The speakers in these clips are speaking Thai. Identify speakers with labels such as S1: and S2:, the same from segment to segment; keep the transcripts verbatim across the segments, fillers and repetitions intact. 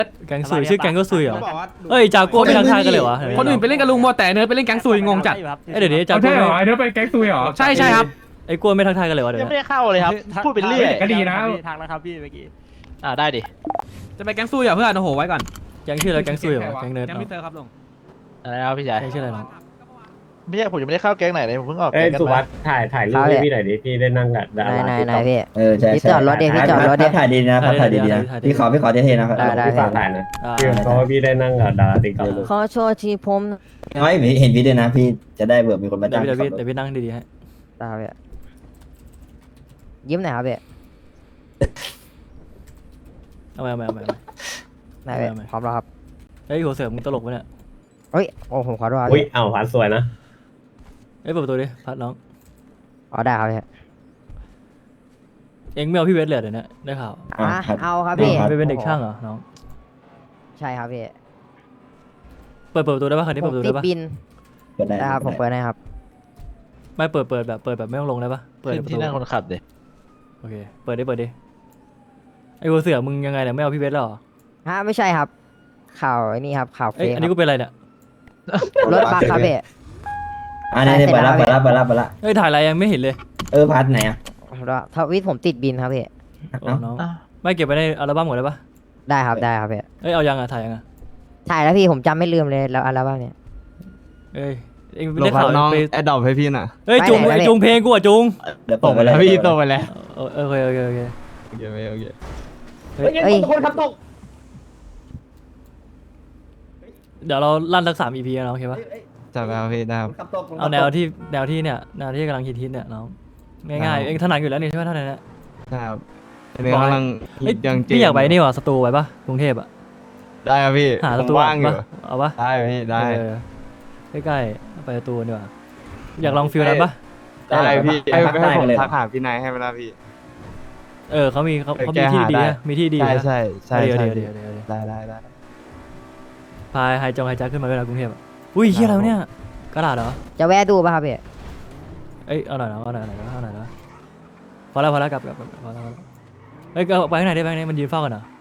S1: แก๊งซุยชื่อแก๊งก็ซุยเหรอ
S2: เขาบอกว่า
S1: เอ้ยจากัวไม่ทักทายกันเลยวะ
S2: คนอื่นไปเล่นกับลุงโมแต่เนิร์ดไปเล่นแก๊งซุยงงจัด
S1: เอ้ยเดี๋ยวนี้จากัว
S3: ใช่เหรอไอ้เนื้อไปแก๊งซุยเหรอ
S2: ใช่ใช่ครับ
S1: ไอ้กัวไม่ทักทายกันเลยวะเดี๋ยว
S4: ยังไม่
S1: นี้
S4: ได้เข้าเลยครับพูดไปเรื่อย
S3: ก็ดีนะ
S5: ทางแล้วครับพี่เมื่อกี้
S4: อ่าได้ดิ
S2: จะไปแก๊งซุยเหรอเพื่อนโอ้โหไว้ก่อน
S1: แก๊งชื่ออะไรแก๊งซุยเหรอแก๊งเนิร์ด
S2: แก๊ง
S1: เนาะ
S2: มิสเตอร์ครับลุง
S4: อะไรครับพี่ชาย
S1: แก๊งชื่ออะไรเนาะ
S4: ไม่ใช่ผมยังไม่ได้เข้าแก๊งไหนเลยผมเพิ่งออก
S3: เอ้
S4: แก๊
S3: ย
S4: งกัน
S3: สุวั
S4: มา
S3: สด์ถ่ายถ่ายรูปให้พี่หน่อยดิพี่ได้นั่งกับดารา
S6: ไหน
S3: ที่
S6: ไหน
S3: ต่อ
S6: พี่
S7: เออใช่
S6: พี่
S7: ใช่
S6: จอดรถดิพี่จอดรถดิ
S7: ถ่ายดีนะถ่ายดีนะพี่ขอพี่ขอเท่ๆนะครับ
S6: ได้ได้
S3: พี่ฝากถ่ายนะ
S1: อ่า
S3: พี่เพราะว่าพี่ได้นั่งกับดาราติ๊กต็อก
S6: ขอโชว์ทีผม
S7: น้อยเห็นพี่ด้วยนะพี่จะได้เบื่อมีคนมา
S1: เดี๋ย
S7: จ้าว ง
S1: พี่เดี๋ยวพี่เดี๋ยวพี่นั่งดีๆให้
S6: ตาพี่ยิ้มหน่อยครับพี่
S1: เอาไปเอาไปเอาไป
S6: ได้พี่
S1: ไม่ไม่
S6: พร้อมแล้วครับ
S1: เฮ้ยหัวเสือมึงตลกปะเนี่ย
S6: เฮ้ยโอ้ผมขอโทษครับ
S3: อุ้ย
S6: พี่
S3: เอาผ่านสวยนะ
S1: เอ้ยเปิดประตูดิพัดน้อง
S6: อ๋อได้ครับพี่
S1: เอ็งไม่เอาพี่เวทเลยเดี๋ยวนี้ได้ข่าว
S6: อ่ะเอาครับพี่
S1: ไปเป็นเด็กช่างเหรอน้อง
S6: ใช่ครับพี่
S1: เปิดเปิดประตูได้ปะคันนี้
S6: ผ
S1: เปิด
S6: ม
S1: ประตู
S6: ติด
S1: ได้ปะ
S6: บิน
S7: เปิดได้
S6: ได้ครับผมเปิดได้ครับ
S1: ไม่เปิดเปิดแบบเปิดแบบไม่ต้องลงได้ปะเปิด
S4: ขึ้น
S1: ประ
S4: ที่
S1: ตู
S4: นั่งคนขับดิ
S1: โอเคเปิดดิเปิดดิไอ้หัวเสือมึงยังไงเนี่ยไม่เอาพี่เวทหรอ
S6: ฮะไม่ใช่ครับ ข่าวไอ้นี่ครับข่าวเฟ
S1: เอ้ย
S6: ซ
S1: อันนี้กูเป็นอะไรเนี่ย
S6: รถบัสครับพี่
S7: อ่านี่เปิดละเปิดละเปิดละเปิดละ
S1: เอ้ยถ่ายอะไรยังไม่เห็นเลย
S7: เออพัดไหนอ่ะ
S6: ทวิตผมติดบินครับพี่
S1: โอ้น้องไม่เก็บไปในอัลบั้มหมดเลยปะ
S6: ได้ครับได้ครับพี่
S1: เอ้ยเอายังอ่ะถ่ายยังอ่ะ
S6: ถ่ายแล้วพี่ผมจำไม่ลืมเลยแล้วอะไรบ้างเนี่ย
S1: เอ้ยเอ็ง
S5: ล
S1: ได้
S5: งพั
S1: ข่าก ว
S5: น้อง
S1: ไป
S5: แอดดอปให้พี่น่ะ
S1: เอ้ยจุง
S6: ไปไหน
S1: ไอ้
S6: ไปไหน
S1: จุงเพลงกูอ่ะจุง
S7: เดี๋ยว
S5: ต
S7: เปิด
S5: ก
S7: ไป
S5: ไป
S7: เล
S5: แล้ว
S7: ย
S5: พี่ตกไปแล้ว
S1: เออโอเคโอเคโอเค
S5: โอเคโอเค
S6: เอ้ย
S3: คนขับตก
S1: เดี๋ยวเราลั่นสักสามอีพีนะโอเคปะ
S5: จับไปครับพี่ได้ครับ
S1: เอาแนวที่แนวที่เนี่ยแนวที่กำลังฮิตฮิตเนี่ยน้องง่ายๆเอ็งถนัดอยู่แล้วนี่ใช่ไหมเท่านั้นแหละ
S5: ได้ครับอันนี้กำลัง
S1: เอ้ย
S5: ยัง
S1: พี่อยากไปนี่ว่ะสตูไปปะกรุงเทพอ่ะ
S5: ได้ครับพี่
S1: หาส
S5: ผม
S1: ตู
S5: ว่างอยู่
S1: ปะเอาปะ
S5: ได้พี่ได้
S1: เออใกล้ๆไปสตูดีกว่าอยากลองฟิลนั้นปะ
S5: ได้พี่ให้ให้ผมทักหาพี่นายให้เวลาพี่
S1: เออเขามีเขาเขา
S5: แก
S1: มีที่
S5: หา
S1: ดี
S5: ได้
S1: นะมีที่ดี
S5: ใช่
S1: นะ
S5: ใช่ใช่
S1: เดี๋ยว
S5: ใช่
S1: เดี๋ยวเดี๋ยวเดี๋ยว
S5: ได้ได้ได้
S1: พายไฮจงไฮจักขึ้นมาเวลากรุงเทพอะอุ้ยเฮียอะไรวะเนี่ยกระดาษเหรอ
S6: จะแวะดูป่ะครับพี่
S1: เอ้ยเอาหน่อยนะเอาหน่อยนะเอาหน่อยนะพอแล้วพอแล้วกลับกลับกลับพอแล้วพอแล้วเฮ้ยก็ไปข้างไหนได้ไปข้างไหนมันยืนเฝ้ากันเหรอ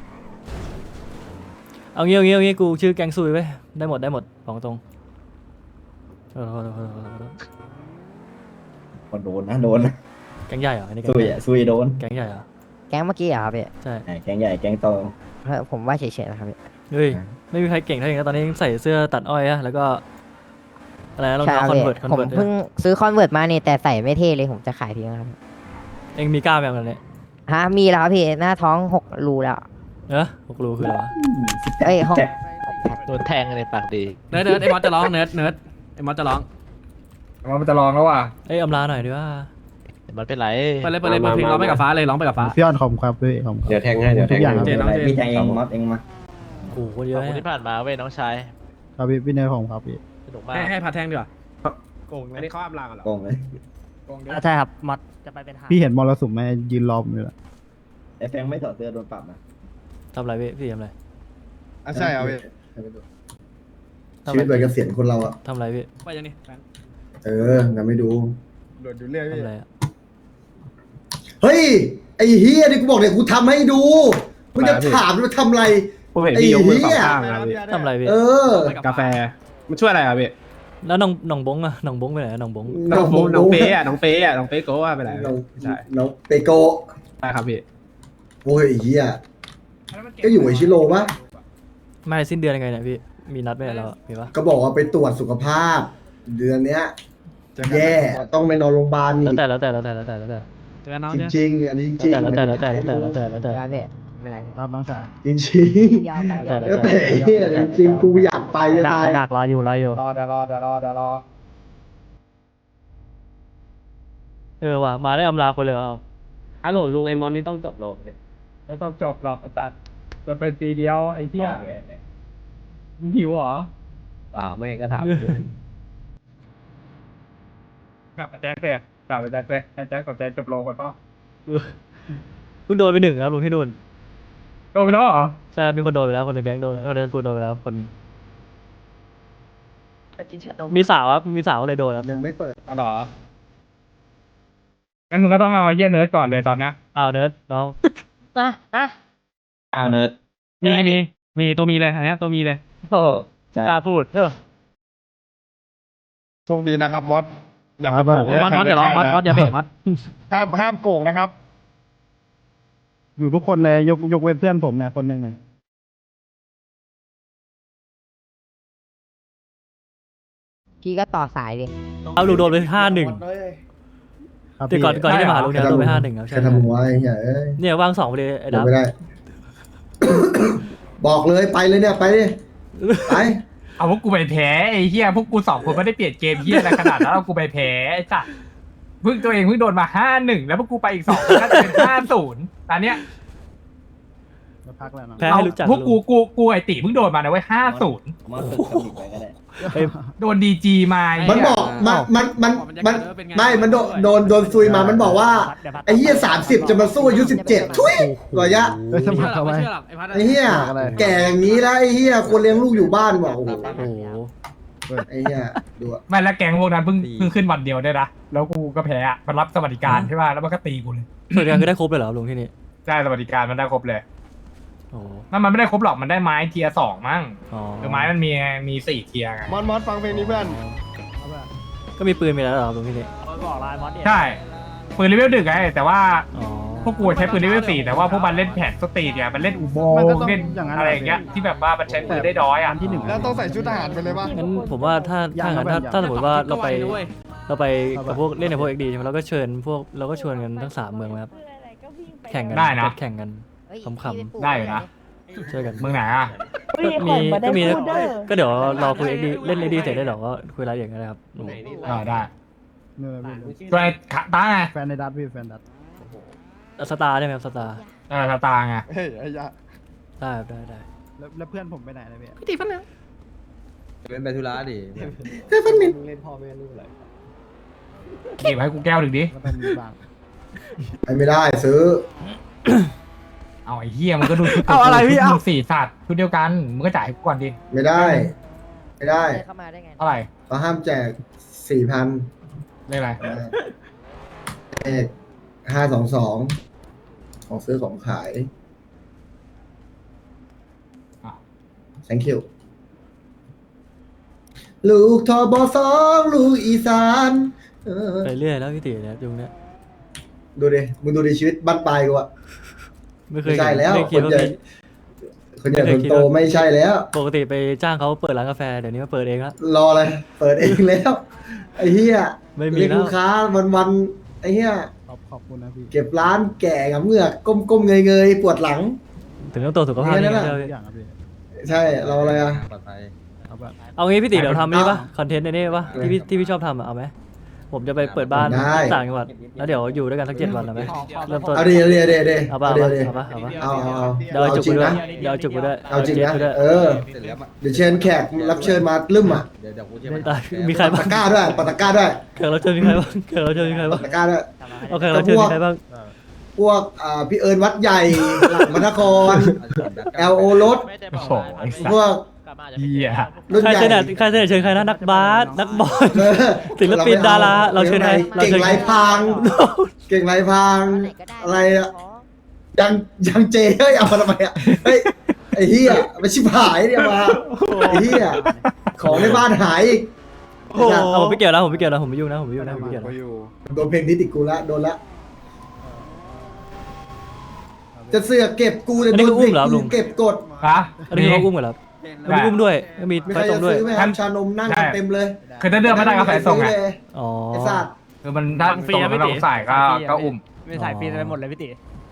S1: เอางี้เอางี้เอางี้กูชื่อแกงซุยไปได้หมดได้หมดบอกตรงโทษโทษโทษโทษโทษโทษ
S7: คนโดนนะโดนนะ
S1: แกงใหญ่เหรออันนี้แกง
S7: ซุย
S1: ใหญ่
S7: อ่ะซุยโดน
S1: แกงใหญ่เหรอ
S6: แก๊งเมื่อกี้เหรอครับพี่
S1: ใช่
S7: แกงใหญ่แกงโต
S6: เออผมว่าเฉยๆนะครับพี่
S1: เฮ้ยไม่มีใครเก่งเท่าอย่างนี้ตอนนี้ยังใส่เสื้อตัดอ้อยอะแล้วก็อะไรนะรอง
S6: ใช่ค
S1: เท้า
S6: รับ
S1: คอน
S6: พี่
S1: เวิร์ตคอน
S6: ผม
S1: เวิร์ต
S6: เพิ่งซื้อคอนเวิร์ตมานี่แต่ใส่ไม่เท่เลยผมจะขายทิ้งแล้วครับ
S1: เองมีกล้ามแบบนั้นเนี่ย
S6: ฮะมีแล้วครับพี่หน้าท้องหกรูแล้ว
S1: เออหกรูคืออะไรวะ
S6: เอ้ยห้อง
S7: แจ็ค
S4: โดนแทงในปากดี
S2: เนิร์ดเนิร์ดไอ้มอสจะร้องเนิร์ดเนิร์ดไอ้มอสจะร้อง
S3: มันจะลองแล้วว่ะ
S1: เอ้ยอำลาหน่อยดีว่า
S4: มันเป็นไร
S2: ไปเลยไปเลยเปิดเพลงร้องไปกับฟ้าเลยร้องไปกับฟ้า
S8: พี่ออนคอมครับพี่คอมครับ
S3: เดี๋ยวแทงให้เดี๋ยวแทง
S8: ทุกอย่าง
S3: ให้
S2: เจนน้องเจน
S7: พี่แทงเองมอสเองมา
S1: โอ้โหคนเย
S4: ขอ
S1: อะ
S4: บคุณ
S1: เนี่ย
S4: ที่ผ่านมาเว้ยน้องชาย
S8: ครับพี่พี่เนยคอมครับพี่
S4: สนุกมาก
S2: ให้ให้พาแท่งดีกว่าโกงอันนี้เขาอำลากันเหรอ
S7: โกงเลย
S2: โกงด้วย
S5: ใช่ครับมัดจะไปเป็นหา
S8: พี่เห็นมรสุมไหมยืนรอผมอยู่ละ
S7: ไอ้แฟงไม่ถอดเสื้อโดนปรับนะ
S1: ทำอะไรพี่พี่ทำอะไร
S9: อ่ะใช่เอาพี่
S1: ทำ
S9: ชีวิต
S1: อะไร
S9: วัยเกษียณคนเราอ่ะ
S1: ทำอะไรพี่
S2: ไปยังนี่แฟน
S9: เอองั้นไม่ดู
S2: โดดดูเรื่อยพี่
S1: ทำอะไรอะ
S9: เฮ้ย ไอ้เฮียนี่กูบอกเลยกูทำให้ดูมึงจะถามว่าทำอะไร
S3: ผมเห็นพี่ยกมือสองข้าง
S2: ไป
S3: นะ
S2: แล้ว
S3: พี่
S1: ทำอะไรพี่
S9: เออ
S3: กาแฟมันช่วยอะไรอ่ะพี่
S1: แล้วน้องน้องบงอะน้องบงไปไหนอะน้องบง
S3: น้องโบ๊ทน้องเป๊ะอ่ะน้องเป๊ะอ่ะน้องเป๊ะโก้ว่าไปไหน
S9: น้อง
S3: ใช่
S9: น้องเปโกะ
S3: ใช่ครับพี่
S9: โอ้ยไอ้เฮียก็อยู่ไอชิโร่ปะ
S1: ไม่สิ้นเดือนยังไงเนี่ยพี่มีนัดไหมเนี่ยเราอะมีปะ
S9: ก็บอกว่าไปตรวจสุขภาพ เดือนเนี้ย แย่ต้องไปนอนโรงพยาบาล
S1: แล้ว
S9: อีก
S1: แต่แล้วแต่แล้วแต่แล้วแต่แล้วแต่
S2: เจอกันน้อง
S9: จ
S2: เจอ
S9: ริงๆอันนี้จริง
S1: แล้วแต่แล้วแต่แล้วแต่แล้วแต่แล้วแต่
S6: ร้านพี่ไม่เป็นไร
S8: รับน้องชาย
S9: จริงจริง
S6: ยาวไป
S1: แต่
S9: ๆแล้วแต่ไอ้เฮียจริงๆกูอยากไปจะตาย
S1: ดักรออยู่รออยู่
S3: รอเดี๋ยวรอเดี๋ยวรอเดี๋ยวรอ
S1: เออว่ะมาได้อำลาคนเลยเอา
S3: ฮัลโหลลุงไอมอนนี่ต้องจบโลกไม่ต้องจบหรอกตัดจะเป็นปีเดียวไอ้เที่ยหิวเหรออ่าไม่ก็ถามกลับไปแจ็คเลยกลับไปแจ็คเลยแจ็คกับแจ็คจบโลกกันป่ะ
S1: เพิ่งโดนไปหนึ่งครับลุงที่นู่น
S3: โดนไปแล้วเหรอ
S1: ใช่มีคนโดนไปแล้วคนในแบงค์โดนคนในกูโดนไปแล้วคนมีสาวครับมีสาวเลยโดนครับ
S9: ยังไม่เปิด
S3: อ๋อเหรองั้นมึงก็ต้องเอาเยี่ยเนิร์ดก่อนเลยตอนเนี้ย
S1: อ้าวเนิร์ดน้อง
S6: นะนะ
S7: อ้าวเนิร์ด
S3: มีมีมีตัวมีเลยอันเนี้ยตัวมีเลย
S4: โอ้กล้าพูดเออ
S2: โชคดีนะครับมอสอย่า
S8: ครับ
S2: โกง
S3: มอสมอสเดี๋ยวรอมอสมอสอย่าเบรกมอส
S2: ห้ามห้ามโกงนะครับ
S8: อยู่ทุกคนเลยยกยกเว้นเพื่อนผมเนี่ยคนหนึ่งเนี่ย
S6: พี่ก็ต่อสายดิ
S1: เอาลุงโดนไปห้าหนึ่ง
S8: ครับ
S1: แต่ก่อน
S8: พี่
S1: ก่อนที่จะมาหาลุงเนี่ยโดนไปห้าหนึ่งครับ
S9: ใครทำหัวไอ้เหี้ยเอ้ย
S1: เนี่ยวางสองไปเลยไอ้
S9: เดี๋ย
S1: ดั
S9: ว
S1: บ
S9: ไม่ได้ บอกเลยไปเลยเนี่ยไปดิไป
S3: เอาพวกกูไปแพ้ไอ้เหี้ยพวกกูสองคนไม่ได้เปลี่ยนเกมเหี้ยอะไรขนาดนั้นเอากูไปแพ้ไอ้สัสเพิ่งตัวเองเพิ่งโดนมาห้าหนึ่งแล้วพวกกูไปอีกสองน่าจะเป็นห้าศูนย์ตอนเนี้ย
S8: จะพักแล้วนะ
S1: แพ้ให้รู้จัก
S3: พวกกู
S1: ลุง
S3: กูกูไอติเพิ่งโดนมานะเว้ยห้าศูนย์
S7: มอสฝึกคำอีกไปก็ได้
S1: เอ้ย
S3: โดนดีจีมา
S9: มั
S3: มัน
S9: บอกมันมันมันมันไม่มันโดนโดนโดนซุยมามันบอกว่าไอ้เหี้ยสามสิบจะมาสู้อายุสิบเจ็ดทุยระยะ
S8: เอ้ยสมัครเข้าไป
S9: ไอ้เหี้ยแก่อย่างนี้แล้วไอ้เหี้ยควรเลี้ยงลูกอยู่บ้านว่ะโอ้โห
S1: โอ้โห
S9: ไอ้เหี้ยดูอะ
S3: ไม่แล้วแก๊งพวกนั้นเพิ่งเพิ่งขึ้นวันเดียวด้วยนะแล้วกูก็แพ้อะมันรับสวัสดิการใช่ป่ะแล้วมันก็ตีกูเลย
S1: สวัสดิการคือได้ครบเลยเหรอครับลุงที่นี่
S3: ได้สวัสดิการมันได้ครบเลย
S1: โอ้โห
S3: นั่นมันไม่ได้ครบหรอกมันได้ไม้เทียร์สองมั้ง
S1: อ๋อ
S3: คือไม้มันมีมีสี่เทียร์ไง
S2: มอสมอสฟังเพลงนี้เพื่อน
S1: ก็มีปืนมีแล้วเหรอครับลุงที่นี่
S3: ใช่ปืนเลเวลดึกไงแต่ว่า
S1: อ๋อ
S3: พวกกูใช้ปืนเลเวลสี่แต่ว่าพวกมันเล่นแผนสตรีทเนี่ยมันเล่นอุโมง
S8: มันก็
S3: ค์
S8: ต้อง
S3: เล่น
S8: อย่างนั้น
S3: อะไรอย่างเงี้ยที่แบบว่ามันใช้ปืนได้น้อยอ่ะ
S8: ที่หนึ่ง
S2: แล้วต้องใส่ชุดทหารไปเลยป่ะ
S1: งั้นผมว่าถ้าถ้างั้นถ้าถ้าสมมติว่าเราไปเราไปกับพวกเล่นในพวกเอ็กดีใช่ไหมเราก็เชิญพวกเราก็ชวนกันทั้งสามเมืองนะครับแข่งกัน
S3: ได้นะ
S1: แข่งกัน
S6: เฮ้ย
S1: ขำๆ
S6: พี่ปลูก
S3: ได้อยู่นะ
S1: ช่วยกัน
S3: เมืองไหนอ่ะ
S1: ก็มีก็มีก็เดี๋ยวรอคุยเอ็กดีเล่นเอ็กดีเสร็จได้หรอก็คุยรายละเอียดกันนะครับลุง
S3: อ่าได้
S8: เนี่ยพี่
S3: ตัวไอ้ขาตาไง
S8: แฟนในดัตพี่แฟนดัต
S1: สตาร์ได้ไหมครับสตาร์
S3: เออตาไง
S2: เฮ้ยไอ้ยะ
S1: ได้ครับได้ได้
S8: แล้วแล้วเพื่อนผมไปไหนเลยพี่
S5: เป็นไปธุระดิ
S9: แค่พันนิด
S3: หยิบให้กูแก้วหนึ่งดิ
S8: ก็ต้องมีบ้าง
S9: ไปไม่ได้ซื้อ
S3: เอาไอ้เหี้ยมันก็ดูชุด
S1: เอาอะไรพี่เอา
S3: ชุดสี่สัตว์ชุดเดียวกันมึงก็จ่ายให้กูก่อนดิ
S9: ไม่ได้ ไม่ได้
S6: เดินเข้ามาได้ไง
S3: เท่าไหร่
S9: เขาห้ามแจกสี่พัน
S3: เรียกอะไร
S9: เลขห้าสองสองของซื้อของขาย
S3: อ่ะ
S9: thank you ลูกทอบอสองลูกอีสานเออ
S1: ไปเรื่อยแล้วพี่ตีเนี่ยยุงเนี่ย
S9: ดูดิ มึงดูดิชีวิตบ้านปลายกูอะ
S1: ไม่เคย
S9: ไม่ใช่แล้ว
S1: ไม่คิดว่า
S9: คนใหญ่
S1: มี
S9: คนใหญ่
S1: ไม่
S9: ค
S1: เคย
S9: น
S1: คิด
S9: โต
S1: ว่า
S9: ไม่ใช่แล้ว
S1: ปกติไปจ้างเขาเปิดร้านกาแฟเดี๋ยวนี้มาเปิดเองละ
S9: รอเลย เปิดเองแล้ว ไอ้เหี้ย
S1: ไม่มี
S9: เรียก
S1: แล้ว
S9: ลูกค้าวันวันๆไอ้เหี้ย
S8: ขอบขอบคุณนะพี่
S9: เก็บร้านแก่กับเงือกก้มก้มเงยเงยๆ ปวดหลัง
S1: ถึงต้องตัวจสุขภาพ
S9: เนี่
S1: นี่
S9: ยนั่นแหละ
S1: เดียว
S8: ทุกอย่างครับพี่
S9: ใช่ เราอะไรอะ
S5: ปลอดภัย
S8: เอาแบบ
S1: เอางี้พี่ตีเดี๋ยวทำนี่ปะ
S9: เอา
S1: คอนเทนต์ในนี่ปะที่พี่ที่พี่ชอบทำอะเอาไหมผมจะไปเปิดบ้าน
S9: ได้
S1: ต่างจังหวัดแล้วเดี๋ยวอยู่ด้วยกันสักเจ็ดวันเอาไหมเริ่มต้น
S9: เอาดีเอาดีเอาดีเอาดี
S1: เอาปะ
S9: เอา
S1: เอา
S9: ดี
S1: ปะ
S9: เอาดี
S1: เอาปะเอาปะ
S9: เอาเอาเอา
S1: เดี๋ยวเอาจุก
S9: จริ
S1: ไป
S9: ง
S1: ด้วย
S9: นะ
S1: เดี๋ยวเอาจุกไปด้วย
S9: เอาจริง
S1: เจ็ด
S9: นะ
S1: ไปด้วย
S9: เออ
S5: เสร็จแล้วมา
S9: เดี๋ยวเชิญแขกรับเชิญมาลืมอ่ะ
S5: เดี๋ยวเดี๋ยวกูจะ
S1: ไม่
S5: มา
S1: ตายมีใคร
S9: ปั
S1: บ้าง
S9: ตตะกร้าด้วยปัตตะกร้าด้วย
S1: แขกรับเชิญมีใครบ้างแขกรับเชิญมีใคร
S9: ปั
S1: บ้าง
S9: ตตะกร้าด้วย
S1: โอเครับเชิญมีใครบ้าง
S9: พวกอ่าพี่เอิญวัดใหญ่ หลังมนคร แอลโอรถ
S4: ไม่ได้บอก
S3: โอ้โห
S4: ว่า
S3: ไอ้สั
S9: พวก
S4: กลับมาจะ
S3: เหี้ย
S9: รุ่น
S1: ใคร
S9: ใหญ่
S1: เสนอใครเสนอเชิญใครนะนักบาสนักบอล
S9: เออ
S1: ศิลปินดาราเราเชิญใครเรา
S9: เก่ง
S1: เชิญ
S9: ไรพรางเก่งไรพราง
S6: ไหนก็ได้
S9: อะไรอะยังยังเจเฮ้ยเอามาทำไมอ่ะเฮ้ยไอ้เหี้ยไม่ชิบหายเนี่ยมาไอ้เหี้ยของในบ้านหายอีก
S1: เอาผมไม่เกี่ยวนะผมไม่เกี่ยวนะผมไม่ยุ่งนะผมไม่ยุ่งนะผมไม่เกี่ยวนะ
S9: โดนเพลงนี้ติดกูละโดนละจะเสือกเก็บกูแต่โดนเพลงกูเก็บกด
S3: ฮะ
S1: อันนี้เขาอุ้มกันเหรอแล้วมีอุ้มด้วยมี
S9: มี
S1: ไฟ
S9: ใคร
S1: ตร
S9: จะ
S1: งด้วย
S9: ซื้อไหมครับชานมนั่งกันเต็มเลย
S3: คือถ้าเลือกไม่ได้ก็ใส่ส่งไง
S1: อ๋อ
S9: ไอ้สัตว์
S3: คือมันถ้าส่งไม่ต้องใส่ก็ก็อุ้ม
S1: ไม่ถ่ายฟรีไปหมดเลยพี่ติ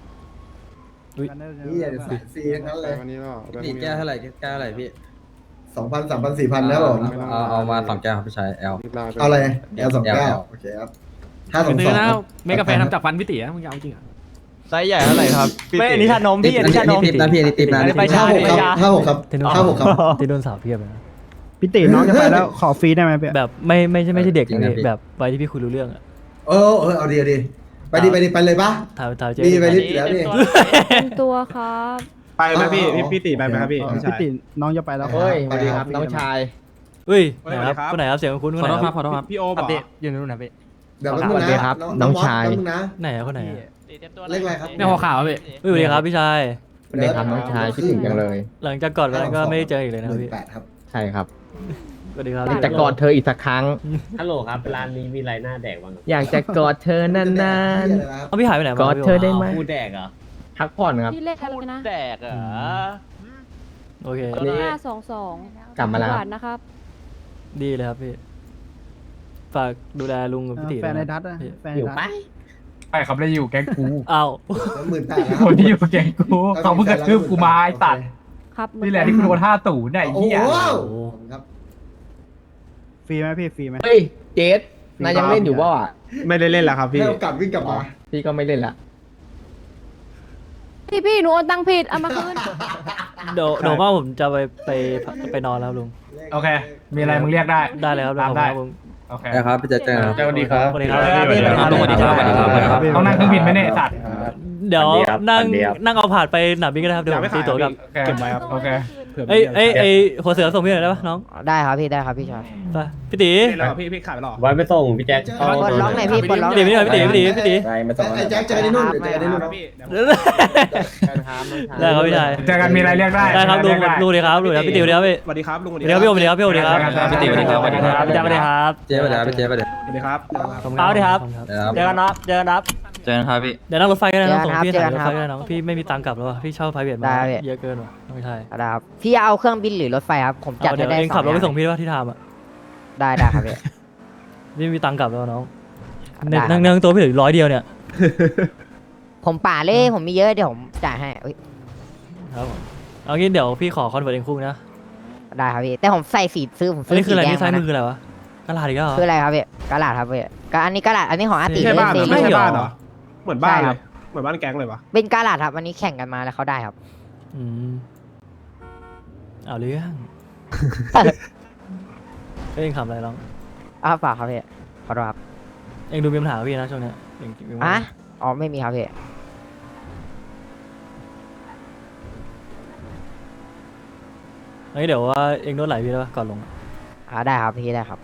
S9: นี่อย่าสายฟรีทั้งนั้นเลย
S2: วันนี้เนาะ
S5: พี่แก้วเท่าไหร่แก้วเท่าไหร่พี่
S9: สองพันสามพันสี่พันแล้วผม
S5: เอาเอามาสองแก้วครับพี่ชายแอล
S9: เอาอะไรแอลสองแก้วโอเคครับห้าสองสอง
S1: เมกาแฟทำจากฟันพี่ติมึงเอาจริงอ่ะ
S4: ไซส์ใหญ่เท่าไหร่ครับพี่
S1: ไม่
S4: ติ
S1: อันนี้ชานมพี่อันนี้ชานม
S5: ติดนะพี่อันนี้ติดนะ
S1: ไปชา
S9: ห้าหกครับห้าหกครับห้าหกครับ
S1: ที่โดนสาวเพียบเลยนะ
S8: พี่ติน้องจะไปแล้วขอฟรีได้ไหมพี่
S1: แบบไม่ไม่ใช่ไม่ใช่เด็กนะพี่แบบไปที่พี่คุยรู้เรื่องอ่ะ
S9: เออเออเอาดีเอาดีไปดีไปดีไปเลยปะ
S1: ถ่ายถ่ายเจ๊
S9: ดีไปดิแล้วนี่
S10: เป็นตัวครับ
S2: ไปไหมพี่พี่พี่ตีไปไหมครับพี่
S8: อ๋อพี่ติน้องจะไปแล้ว
S9: เฮ้ยสวัสดีครับน้องชาย
S1: เฮ้ยไหนครับคนไหนครับเสียงคุ้นคนไหนครับ
S2: พี่โอบอก
S1: อยู่นู่นนะพี่
S9: เดี๋ยวแป๊บนึงนะน้องชายนะ
S1: ไหนอะคนไหนอะ
S9: เลขอะไรครับ
S1: เนี่ยหัวขาวพี่สวัสดีครับพี่ชาย
S9: สวัส
S3: ได้ครับน้องชายคิดถึงจังเลย
S1: หลังจากก่อนวันนั้นก็ไม่ได้เจออีกเลยนะ
S9: ห
S1: ครับ
S9: มื่น
S1: พี่
S9: แปดครับ
S3: ใช่ครับ
S1: สวัสดีครับ
S3: อยากจะกอดเธออีกสักครั้ง
S4: ฮัลโหลครับร้านนี้มีไรหน้าแดกบ้าง
S3: อยากจะกอดเธอนาน
S1: เอาพี่หายไปไหน
S3: ๆ
S1: มาก
S3: อดเธอได้ไหม
S4: พูดแดกเหรอ
S3: พักผ่อนครับ
S10: พี่เลขอะไรนะ
S4: แดกเหรอ
S1: โอเค
S3: นี่
S10: ห้าสองสอง
S3: กลับมาแล้ว
S10: หวานนะครับ
S1: ดีเลยครับพี่ฝากดูแลลุงกับพี่ตี
S8: แฟนใน
S1: ด้วย
S8: ดั
S1: นะ
S8: ตอะ
S1: พี่
S8: แฟนใน
S3: อยู่
S8: ดัต
S3: ไป
S11: ใช่ครับได้อยู่แก๊งกู
S1: อ้าว
S9: หมื่นแปดแล้ว
S11: คนที่อยู่แก๊งกูเขาเพิ่งกระทืบกูมาไอ้ตัด
S10: ครับ
S11: นี่แหละที่กูโดนห้าตู่เนี่ยไอ้
S9: โอ้
S11: เหี้ย
S9: โห
S1: โอ้
S9: ขอบคุณครับ
S8: ฟรีไหมพี่ฟรีไหม
S3: เฮ้ยเจสนายยังเล่นอยู่ป่ะ
S2: ไม่ได้เล่นแล้วครับพี่
S9: ให้โอกาสวิ่งกลับมา
S3: พี่ก็ไม่เล่นละ
S10: พี่พี่หนูโอนตังค์ผิดเอามาคืน
S1: เดี๋ยวเดี๋ยวว่าผมจะไปไปไปนอนแล้วลุง
S11: โอเค มีอะไรมึงเรียกได้
S1: ได้เลยครับ
S11: ตามได้
S1: ผม
S11: โอเค
S7: ครับพี่เจเจครับ
S11: สวัสดีครับ
S1: สวัสดีครับ
S11: สวัสดีครับ
S1: สวัสดีครับสวัสดีครับสวัสดีครับ
S11: ต้องนั่งเครื่องบินไหมเนี่ยไอ้สัตว์
S1: เดี๋ยวนั่งนั่งเอาผ่านไปหนาบินก็ได้ครับเดี๋ยว
S2: อย่า
S1: ผ
S2: ไม่
S1: ม
S2: ขา
S1: ตี
S2: ย
S1: ตั๋วกลับ
S2: เก็บไว้ครับ
S11: โอเค
S1: เอ้ยเอ้ยเอ้ยหัวเสือส่งพี่หน่อยได้ปะน้อง
S6: ได้ครับพี่ได้ครับพี่ชาย
S1: ไปพี่ตี
S2: นี่แล้วพี่พี่ขายไปหรอ
S4: ไว้ไปส่งพี่แจ็ค
S6: ปลดล็อกหน่อยพี่ปลดล็อกห
S1: พี่
S6: น่
S1: ตี
S6: อย
S1: พี่ตีพี่ตีพี่ตี
S7: ไปมาสอง
S9: ไอ้แจ็คเจอกันที่นู่นเดี๋ยวเจอกันที่นู่นครับ
S2: พี่
S1: ได้ครับพี่ชาย
S11: เจอกันมีอะไรเรียกได้
S1: ได้ครับลุง
S11: เยกได้
S1: ลุงดีครับลุงดีครับพี่ตีสวัสดีครับพี่
S2: สวัสดีครับลุง
S1: สวัสดีครับพี่โอมสวัสดีครับพี่โอมสวัสดีครับ
S11: พี่ตีสวัสดีครับ
S1: สวัสดีครับพี่แจ๊คสวัสดีครับ
S7: เจ๊ไปเดี๋ยวพี่เจ๊ไปเดี๋ยว
S2: สวัสดีครับ
S1: ขอบคุณครับสวัสดีครับ
S7: ครับ
S1: เจอกันนะเจอกันนะ
S7: เจอกันครับพี่
S1: เดี๋ยวนั่งรถไฟก็ได้น้องส่งพี่ถ่ายรถไฟก็ได้น้องพี่ไม่มีตังค์กลับแล้วว่ะพี่เช่าไพรเวทมาเยอะเกินว่ะไม่ใช่
S6: ได้ครับพี่เอาเครื่องบินหรือรถไฟครับผมจัด
S1: เอาเดี๋ยว
S6: ได้
S1: เอง
S6: ส
S1: ขับรถไป
S6: อย่า
S1: ส่งพี่ว่าที่ทามอ่ะ
S6: ได้ได้ครับพี่
S1: พี่มีตังค์กลับแล้วน้อง
S6: ได้ครับ
S1: นั่งนั่งตัวพี่เหลือร้อยเดียวเนี่ย
S6: ผมป่าเล่ผมมีเยอะเดี๋ยวผมจ่ายให้เอ้ย
S1: ครับผมเอางี้เดี๋ยวพี่ขอคอนเวิร์ตเองคู่นะ
S6: ได้ครับพี่แต่ผมใส่สีซื้อผม
S1: อัน
S6: ซื้อ
S1: นี้คือ
S6: สี
S1: อะไร
S6: แดง
S1: นี่ซ้าย
S6: มา
S1: มือ
S6: นะ
S1: คืออะไรวะกระดาษอีกแล้วเหรอ
S6: คืออะไรครับพี่กระดาษครับพี่ก็อันนี้กระดาษอันนี้ของอาติ
S2: ไม่ใช่บ้านเหรอ
S6: เล
S2: ไม่
S6: ย
S2: ใช่
S1: เหรอ
S2: บ้านเหรอ เหมือนบ้าน
S6: ใช่
S2: เล
S6: ครั
S2: ย
S6: บ
S2: เหมือนบ้านแก๊งเลยวะ
S6: เป็นกระดาษครับอันนี้แข่งกันมาแล้วเขาได้ครับ
S1: อืมเอาเรื่องเองขำอะไรน้อง
S6: อ้าวเปล่าครับพี่ขอโทษครับ
S1: เองดูมีปัญหากับพี่นะช่วงเนี้ยเองเอง
S6: อ่ะอ๋อไม่มีครับพี่
S1: เฮ้ยเดี๋ยวว่าเองนวดไหล่พี่ได้ปะก่อนลงอะ
S6: อ่าได้ครับพี่ได้ครับ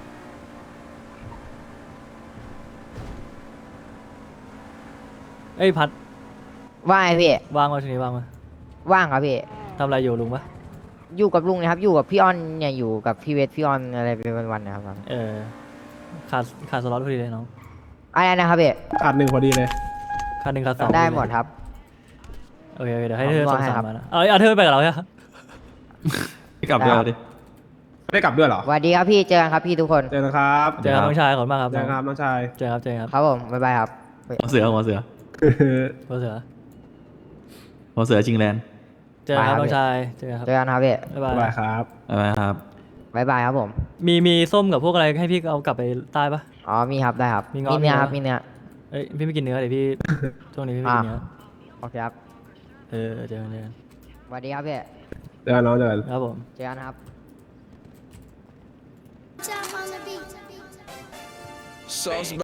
S1: เอ้ยพัด
S6: ว่าไงพี่
S1: ว่างมาช่วงนี้ว่างมา
S6: ว่างครับพี่
S1: ทำอะไรอยู่ลุงปะ
S6: อยู่กับลุงนะครับ อยู่กับพี่ออนเนี่ยอยู่กับพี่เวทพี่ออนอะไรเป็นวันๆนะครับ
S1: เออขาดขาดสล็อตพอดีเลยน้อง
S6: อะไรนะครับพี่
S2: ขาดหนึ่งพอดีเลย
S1: ขาดหนึ่งขาดสอง
S6: ได้
S1: พอเลย
S6: หมดครับ
S1: โอเคโอเคเดี๋ยวให้เธอ
S6: ผม
S1: ส่
S6: ว่าง ให้
S1: สา
S6: ครั
S1: ม
S6: บ
S1: มานะเอาเอาเธอไปกับเราใช่ไหม
S7: กลับเดี๋ยวดิ
S2: ไม่ได้กลับด้วยเหรอ
S6: สวัสดีครับพี่เจอกันครับพี่ทุกคน
S2: เจอกันครับ
S1: เจอครับน้องชายขอบคุณมากครับ
S2: เจอกันครับน้องชาย
S1: เจอครับเจอครับ
S6: ครับผมบ๊ายบายครับ
S7: หัวเสือหัวเสือ
S1: หัวเสือ
S7: หัวเสือจริงแลนด์
S1: เจอครับน้องชายเจอกันครับ
S6: เจอกันครับพี่
S1: บ๊ายบาย
S2: บายครับ
S7: อะไรครับ
S6: บ๊ายบายครับผม
S1: มีมีส้มกับพวกอะไรให้พี่เอากลับไปใต้ปะ
S6: อ๋อมีครับได้ครับ
S1: มีเงาะ
S6: มีเนื้อ
S1: มีเนื้อ
S6: ครับมีเนื้อ
S1: เอ้ยพี่ไม่กินเนื้อเดี๋ยวพี่ ช่วงนี้พี่ไม่กินเนื้อ
S6: โอเคครับ
S1: เออเจอกันเจอกัน
S6: สวัสดีครับพี่
S2: เจอกันน้องเจอกัน
S1: ครับผม
S6: เจอกันครับ
S10: Jump on the beat.